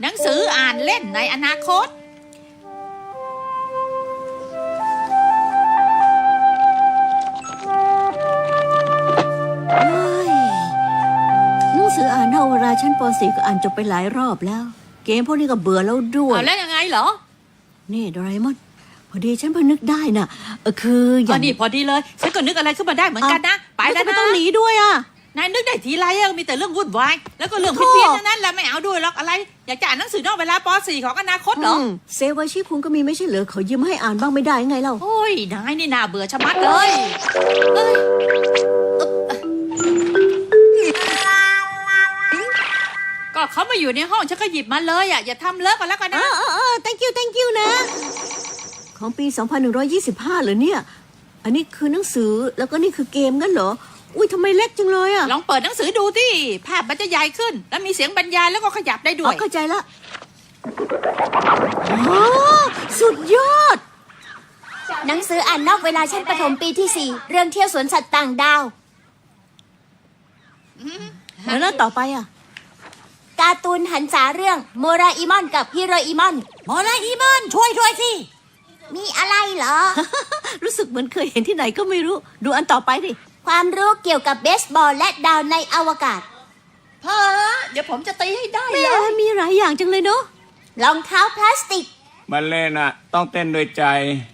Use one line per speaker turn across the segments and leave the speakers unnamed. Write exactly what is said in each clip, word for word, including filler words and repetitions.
หนังสืออ่านเล่นในอนาคต
หนังสืออ่านเท่าเวลาชั้นป .สี่ ก็อ่านจบไปหลายรอบแล้ว เกมพวกนี้ก็เบื่อแล้วด้วย
เอาแล้วยังไงเหรอ
นี่โดราเอมอนพอดีฉันเพิ่งนึกได้น่ะเออคืออ
อ๋อย่าง นี่พอดีเลยฉันก็นึกอะไรขึ้นมาได้เหมือนกันนะไปแล้ว
ไม่
นะ
ต้องหนีด้วยอ่ะ
นายนึกได้ทีไรอะมีแต่เรื่องวุ่นวายแล้วก็เรื่องเพี้ยนๆนั้นแหละไม่เอาด้วยหรอกอะไรอยากจะอ่านหนังสือนอกเวลาป .สี่ ของอนาคตเหรอ
มเซวาชิคุงก็มีไม่ใช่เหรอเขายืมให้อ่านบ้างไม่ได้ไงเล่า
โอ้ยนายนี่น่าเบื่อชะมัดเลยเอ้ยก็เขามาอยู่ในห้องฉันก็หยิบมาเลยอ่ะอย่าทำเลิกกันแล้วกัน
เอ
นะ
อเออเออ thank you thank you นะของปี สองพันหนึ่งร้อยยี่สิบห้า เหรอเนี่ยอันนี้คือหนังสือแล้วก็นี่คือเกมงั้นเหรออุ้ยทำไมเล็กจังเลยอ่ะ
ลองเปิดหนังสือดูที่ภาพมันจะใหญ่ขึ้น แล้วมีเสียงบรรยายแล้วก็ขยับได้ด้
อ๋
ว
อย เข้าใจละอ๋อสุดยอด
หนังสืออ่านนอกเวลาชั้นประถมปีที่สี่เรื่องเที่ยวสวนสัตว์ต่างดาว
แล้วแล้วต่อไปอ่ะ
การ์ตูนหันษาเรื่องโมราอิมอนกับฮิโรอิมอน
โมราอิมอนช่วยด้วยสิ
มีอะไรเหรอ
รู้สึกเหมือนเคยเห็นที่ไหนก็ไม่รู้ดูอันต่อไปดิ
ความรู้เกี่ยวกับเบสบอลและดาวในอวกาศ
พ่อเดี๋ยวผมจะตีให้ได้
แม่
เลย
มีหลายอย่างจังเลยเนาะ
รองเท้าพลาสติก
มาเล่นอ่ะ ต้องเต้นด้วยใจ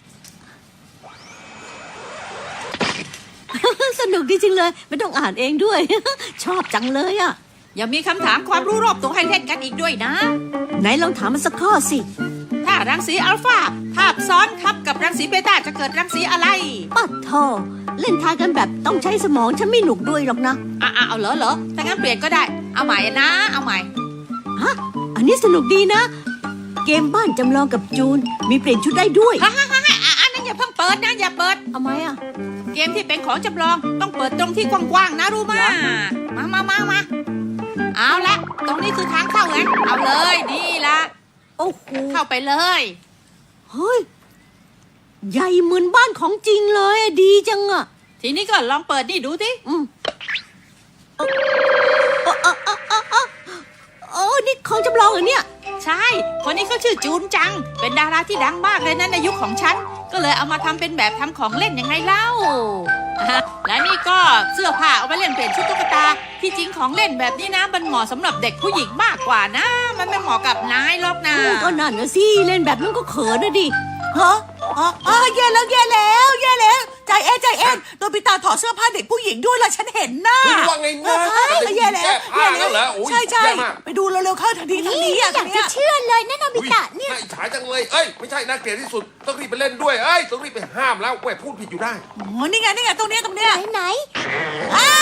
สนุกดีจริงเลยไม่ต้องอ่านเองด้วย ชอบจังเลยอ่ะ
อย่ามีคำถามความรู้รอบตัวให้เล่นกันอีกด้วยนะ
ไหนลองถามมันสักข้อสิ
ถ้ารังสีอัลฟาทาบซ้อนทับกับรังสีเบต้าจะเกิดรังสีอะไร
ปัดโทเล่นทายกันแบบต้องใช้สมองฉันไม่หนุกด้วยหรอกนะ
อ่ะอ่ะเอาเหรอเหรอถ้างั้นเปลี่ยนก็ได้เอาใหม่นะ เอาใหม่
ฮะอันนี้สนุกดีนะ เกมบ้านจำลองกับจูนมีเปลี่ยนชุดได้ด้วย
ฮ่าฮ่าฮ่าอ่ะอันนั้นอย่าเพิ่งเปิดนะอย่าเปิด
เอาไหมอ่ะ
เกมที่เป็นของจำลองต้องเปิดตรงที่กว้างๆนะรู้มามามามามาเอาละตรงนี้คือทางเข้าไงเอาเลยนี่ละ
โอ้โห
เข้าไปเลย
เฮ้ยใหญ่เหมือนบ้านของจริงเลยอะดีจังอ่ะ
ทีนี้ก็ลองเปิดนี่ดูสิ
อืมเออเออเออเออเออโอ้นี่ของจำลองเหรอเนี่ย
ใช่ คนนี้เขาชื่อจูนจัง เป็นดาราที่ดังมากเลยนะในยุคของฉัน ก็เลยเอามาทำเป็นแบบทำของเล่นยังไงเล่าอ่ะและนี่ก็เสื้อผ้าเอาไปเล่นเปลี่ยนชุดตุ๊กตา ที่จริงของเล่นแบบนี้นะมันเหมาะสำหรับเด็กผู้หญิงมากกว่านะ มันไม่เหมาะกับนายหรอกนะ
ก็นั่นนะสิเล่นแบบนั้นก็เขินนะดิ
ฮะอ๋ออ๋อแย่แล้วแย่แล้วแย่แล้วใจเอ็นใจเอ็นโดนปิตาถอดเสื้อผ้าเด็กผู้หญิงด้วยล่ะฉันเห็นน่ะ
คุณว่าไงนะ
เฮ้ยแย่แล้ว
แก้ผ้า
แย่
แล้วเหรอโอ้ย
ใช่ใช่
แย่มาก
ไปดูเร็วๆเข้าทางนี้ทางนี้อ่ะ
อยาก
ทาง
จะ
เนี้ย
เชื่อเลยนะโนบิตะเนี่ย
น่าอิจฉาจังเลย เอ้ย ไม่ใช่น่าเกลียดที่สุด ต้องรีบไปเล่นด้วย เอ้ย ต้องรีบไปห้ามแล้วแหวพูดผิดอยู่ได้
อ๋อนี่ไงนี่ไงตรงเนี้ยตรงเนี้ย
ไหนไหน
อ้าว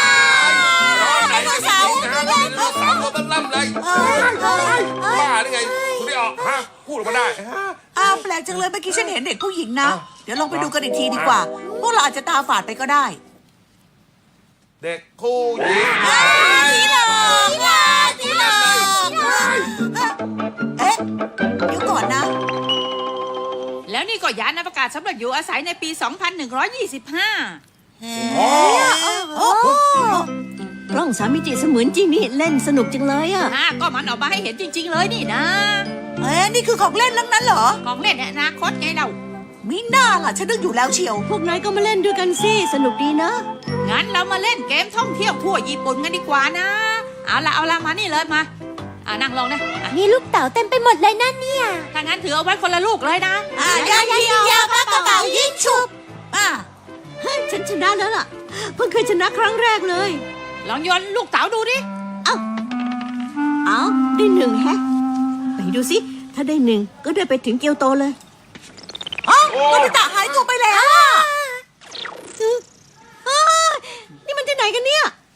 ได
ไดโนเสาร์
ไดโนเสาร์ตัวตั้งล่ำเลย
เอ้ยเอ้ยเอ้ย
บ้าหรือไง คุณได้ออกฮะ พูดออกมาได้ฮะ
อ้าวแปลกจังเลยเมื่อกี้ฉันเห็นเด็กผู้หญิงนะ เดี๋ยวลองไปดูกันอีกทีดีกว่า พวกเราอาจจะตาฝาดไปก็ได้
เด็กผู้หญิง
ผีหลอกผีหลอกเอ๊ะเดี๋ยวก่อนนะ
แล้วนี่ก็ยานอวกาศสำหรับอยู่อาศัยในปี สองพันหนึ่งร้อยยี่สิบห้า
โอ้โห
กล้องสามมิติเสมือนจริงนี่เล่นสนุกจังเลยอ่ะ
อ่าก็มันออกมาให้เห็นจริง ๆ เลยนี่นะ
เอ๊ะนี่คือของเล่นทั้งนั้นเหรอ
ของเล่นในอนาคตไงเรา
มิน่าล่ะฉันนึกอยู่แล้วเชียว
พวกนายก็มาเล่นด้วยกันสิสนุกดีนะ
งั้นเรามาเล่นเกมท่องเที่ยวทั่วญี่ปุ่นกันดีกว่านะ เอาละเอาละมานี่เลยมาอ่านั่งลงนะอ่ะ
มีลูกเต๋าเต็มไปหมดเลยนั่นเนี่ย
ถ้างั้นถือเอาไว้คนละลูกเลยนะ
อ่ะยังยิงยาวปากกระเป๋ายิงฉุบอ่ะ
เฮ้ยฉันชนะแล้วล่ะ เพิ่งเคยชนะครั้งแรกเลย
ลองโยนลูกเต๋าดูดิ
เอาได้หนึ่งแฮะ ไปดูสิ ถ้าได้หนึ่งก็ได้ไปถึงเกียวโตเลย
อ๋อโนบิตะหายตัวไปแล้วอ่ะ
เฮ้ยนี่มันที่ไหนกันเนี่ย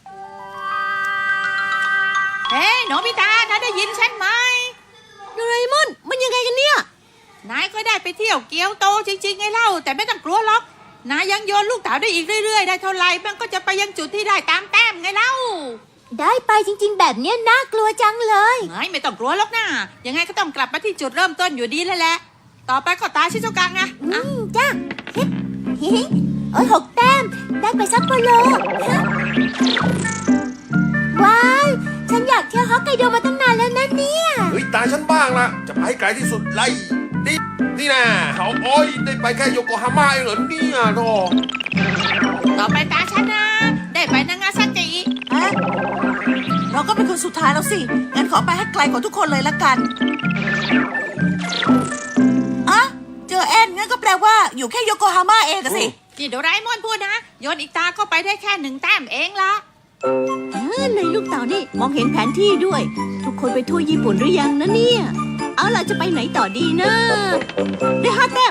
เฮ้ยโนบิตะนายได้ยินฉันไหม
โดราเอมอนมันยังไงกันเนี่ย
นายก็ได้ไปเที่ยวเกียวโตจริงๆไงเล่า แต่ไม่ต้องกลัวหรอก นายยังโยนลูกเต๋าได้อีกเรื่อยๆ ได้เท่าไหร่มันก็จะไปยังจุดที่ได้ตามแต้มไงเล่า
ได้ไปจริงๆ แบบเนี้ยน่ากลัวจังเลย
ไม่ไม่ต้องกลัวหรอกนะยังไงก็ต้องกลับมาที่จุดเริ่มต้นอยู่ดีแล้วแหละ ต่อไปก็ตาชิโซกังไง
อื
อ่ะ
มจ้าเฮ้ยโอ้ยหกแต้ม ได้ไปซัปโปโรว้าวฉันอยากเที่ยวฮอกไกโดมาตั้งนานแล้วนะเนี่ย
เฮ้ยตายฉันบ้างละจะไปให้ไกลที่สุดไล่นี่นี่นะเขาโอ้ยได้ไปแค่โยโกฮาม่าเองเหรอเนี่ยโธ่
ต่อไปตาฉันนะ ได้ไปนางาซากิ
ฮะเราก็เป็นคนสุดท้ายแล้วสิ งั้นขอไปให้ไกลกว่าทุกคนเลยละกันอะเจอแอนงั้นก็แปลว่าอยู่แค่โยโกฮาม่าเองอะสิ
ที่โดราเอมอนพูดนะ โยนอีกตาก็ไปได้แค่หนึ่งแต้มเองละ
เออในลูกเต่านี่มองเห็นแผนที่ด้วย ทุกคนไปทั่วญี่ปุ่นหรือยังนะเนี่ย เอาล่ะจะไปไหนต่อดีนะ ได้ห้าแต้ม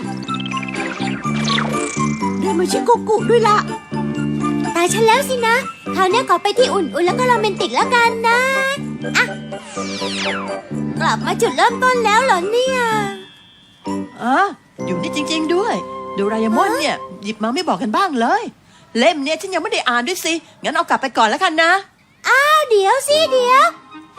ได้มาชิโกกุด้วยละ
ตายฉันแล้วสินะ คราวเนี้ยขอไปที่อุ่นๆแล้วก็โรแมนติกแล้วกันนะอ่ะกลับมาจุดเริ่มต้นแล้วเหรอเนี่ย
อ่ะอยู่นี่จริง ๆ ด้วยโดราเอมอนเนี่ยหยิบมาไม่บอกกันบ้างเลย เล่มเนี่ยฉันยังไม่ได้อ่านด้วยสิ งั้นเอากลับไปก่อนแล้วกันนะ
อ้าวเดี๋ยวสิเดี๋ยว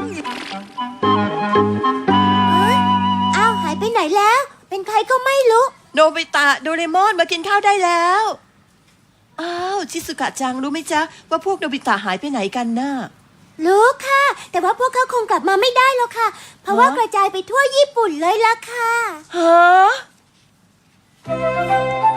เฮ้ยอ้าวหายไปไหนแล้ว เป็นใครก็ไม่รู้
โนบิตะโดเรมอนมากินข้าวได้แล้ว อ้าวชิสุกะจังรู้ไหมจ๊ะว่าพวกโนบิตะหายไปไหนกันน่ะ
รู้ค่ะ แต่ว่าพวกเขาคงกลับมาไม่ได้หรอกค่ะ เพราะว่ากระจายไปทั่วญี่ปุ่นเลยล่ะค่ะ
ฮะ